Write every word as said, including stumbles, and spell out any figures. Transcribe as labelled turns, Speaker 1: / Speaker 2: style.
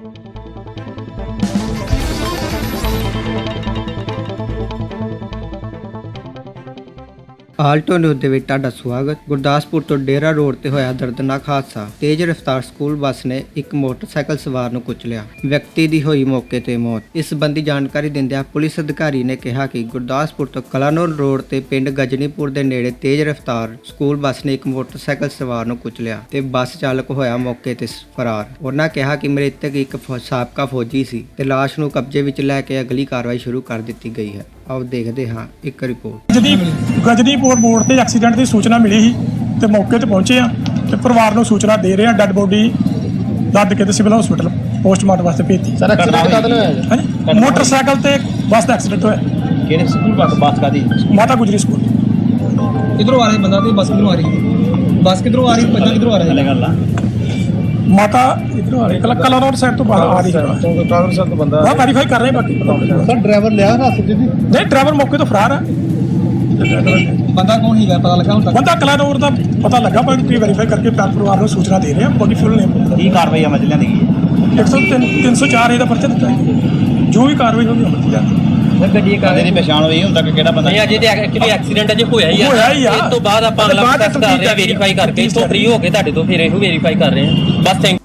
Speaker 1: Alto news ਦੇ ਵਿੱਚ ਤੁਹਾਡਾ ਸਵਾਗਤ। ਗੁਰਦਾਸਪੁਰ ਤੋਂ ਡੇਰਾ ਰੋਡ ਤੇ ਹੋਇਆ ਦਰਦਨਾਕ ਹਾਦਸਾ। ਤੇਜ਼ ਰਫ਼ਤਾਰ ਸਕੂਲ ਬੱਸ ਨੇ ਇੱਕ ਮੋਟਰਸਾਈਕਲ ਸਵਾਰ ਨੂੰ ਕੁਚਲਿਆ। ਵਿਅਕਤੀ ਦੀ ਹੋਈ ਮੌਕੇ ਤੇ ਮੌਤ। ਇਸ ਸੰਬੰਧੀ ਜਾਣਕਾਰੀ ਦਿੰਦਿਆਂ ਪੁਲਿਸ ਅਧਿਕਾਰੀ ਨੇ ਕਿਹਾ ਕਿ ਗੁਰਦਾਸਪੁਰ ਤੋਂ ਕਲਾਨੌਰ ਰੋਡ ਤੇ ਪਿੰਡ ਗਜਨੀਪੁਰ ਦੇ ਨੇੜੇ ਤੇਜ਼ ਰਫ਼ਤਾਰ ਸਕੂਲ ਬੱਸ ਨੇ ਇੱਕ ਮੋਟਰਸਾਈਕਲ ਸਵਾਰ ਨੂੰ ਕੁਚਲਿਆ ਤੇ ਬੱਸ ਚਾਲਕ ਹੋਇਆ ਮੌਕੇ ਤੇ ਫਰਾਰ। ਉਹਨਾਂ ਕਿਹਾ ਕਿ ਮ੍ਰਿਤਕ ਇੱਕ ਸਾਬਕਾ ਫੌਜੀ ਸੀ ਤੇ ਲਾਸ਼ ਨੂੰ ਕਬਜ਼ੇ ਵਿੱਚ ਲੈ ਕੇ ਅਗਲੀ ਕਾਰਵਾਈ ਸ਼ੁਰੂ ਕਰ ਦਿੱਤੀ ਗਈ ਹੈ। ਆਓ ਦੇਖਦੇ ਹਾਂ ਇੱਕ ਰਿਪੋਰਟ।
Speaker 2: ਗਜਨੀਪੁਰ ਮੋੜ ਤੇ ਐਕਸੀਡੈਂਟ ਦੀ ਸੂਚਨਾ ਮਿਲੀ ਸੀ ਤੇ ਮੌਕੇ ਤੇ ਪਹੁੰਚੇ ਆ ਤੇ ਪਰਿਵਾਰ ਨੂੰ ਸੂਚਨਾ ਦੇ ਰਹੇ ਆ। ਡੈੱਡ ਬੋਡੀ ਲੱਦ ਕੇ ਤੇ ਸਿਵਲ ਹਸਪੀਟਲ ਪੋਸਟਮਾਰਟਮ ਵਾਸਤੇ ਭੇਜੀ।
Speaker 3: ਸਰ ਐਕਸੀਡੈਂਟ ਕਦ ਹੋਇਆ?
Speaker 2: ਹਾਂਜੀ, ਮੋਟਰਸਾਈਕਲ ਤੇ ਬੱਸ ਦਾ ਐਕਸੀਡੈਂਟ ਹੋਇਆ।
Speaker 3: ਕਿਹੜੇ ਸਕੂਲ ਬੱਸ ਬੱਸ ਕਾਦੀ?
Speaker 2: ਮਾਤਾ ਗੁਜਰੀ ਸਕੂਲ।
Speaker 4: ਕਿਧਰੋਂ ਆ ਰਿਹਾ ਬੰਦਾ ਤੇ ਬੱਸ ਕਿਧਰੋਂ ਆ ਰਹੀ? ਬੱਸ ਕਿਧਰੋਂ ਆ ਰਹੀ? ਬੰਦਾ ਕਿਧਰੋਂ ਆ ਰਿਹਾ?
Speaker 3: ਹਲੇ ਗੱਲ ਆ
Speaker 2: ਮਾਤਾ ਇਧਰੋਂ ਆ ਰਹੀ ਕਲਾ ਰੋਡ ਸਾਈਡ ਤੋਂ ਬਾਹਰ ਆ ਰਹੀ ਹੈ।
Speaker 3: ਡਰਾਈਵਰ ਸਾਹਿਬ ਤੋਂ ਬੰਦਾ
Speaker 2: ਹਾਂ ਵੈਰੀਫਾਈ ਕਰ ਰਹੇ ਬਾਕੀ
Speaker 3: ਸਰ ਡਰਾਈਵਰ ਲਿਆ ਨਾ ਸਿੱਧੀ
Speaker 2: ਨਹੀਂ, ਡਰਾਈਵਰ ਮੌਕੇ ਤੋਂ ਫਰਾਰ ਆ।
Speaker 4: ਬੰਦਾ ਕੌਣ ਸੀਗਾ ਪਤਾ ਲੱਗਾ ਹੁਣ ਤੱਕ?
Speaker 2: ਬੰਦਾ ਕਲਾ ਰੋਡ ਦਾ ਪਤਾ ਲੱਗਾ ਪਰ ਕੀ ਵੈਰੀਫਾਈ ਕਰਕੇ ਪਰਿਵਾਰ ਨੂੰ ਸੂਚਨਾ ਦੇ ਰਹੇ ਆ। ਬਾਕੀ ਫੁੱਲ ਨੇਮ
Speaker 3: ਕੀ ਕਾਰਵਾਈ ਅਮਲ ਚ ਲਿਆਂਦੀ ਗਈ ਹੈ?
Speaker 2: ਇੱਕ ਸੌ ਤਿੰਨ ਸੌ ਚਾਰ ਇਹਦਾ ਪਰਚਾ ਦਿੱਤਾ ਹੈ। ਜੋ ਵੀ ਕਾਰਵਾਈ ਹੋਗੀ ਅਮਲ ਚ ਲਿਆਂਦੀ।
Speaker 3: ਸਰ ਗੱਡੀ ਕਾਹਦੇ ਦੀ ਪਛਾਣ ਹੋਈ ਹੁਣ ਤੱਕ ਕਿਹੜਾ ਬੰਦਾ?
Speaker 5: ਨਹੀਂ ਅਜੇ ਤੇ ਐਕਚੁਅਲੀ ਐਕਸੀਡੈਂਟ ਅਜੇ ਹੋਇਆ ਹੀ ਆ।
Speaker 2: ਹੋਇਆ ਹੀ ਆ।
Speaker 5: ਇਸ ਤੋਂ ਬਾਅਦ ਆਪਾਂ ਅਗਲਾ ਪ੍ਰੋਸੈਸ ਕਰ ਰਹੇ ਆ, ਵੈਰੀਫਾਈ ਕਰਕੇ। ਇਸ ਤੋਂ ਫ੍ਰੀ ਹੋ ਕੇ ਤੁਹਾਡੇ ਤੋਂ ਫਿਰ ਇਹੋ ਵੈਰੀਫਾਈ ਕਰ ਰਹੇ ਆ। ਬਸ ਥੈਂਕ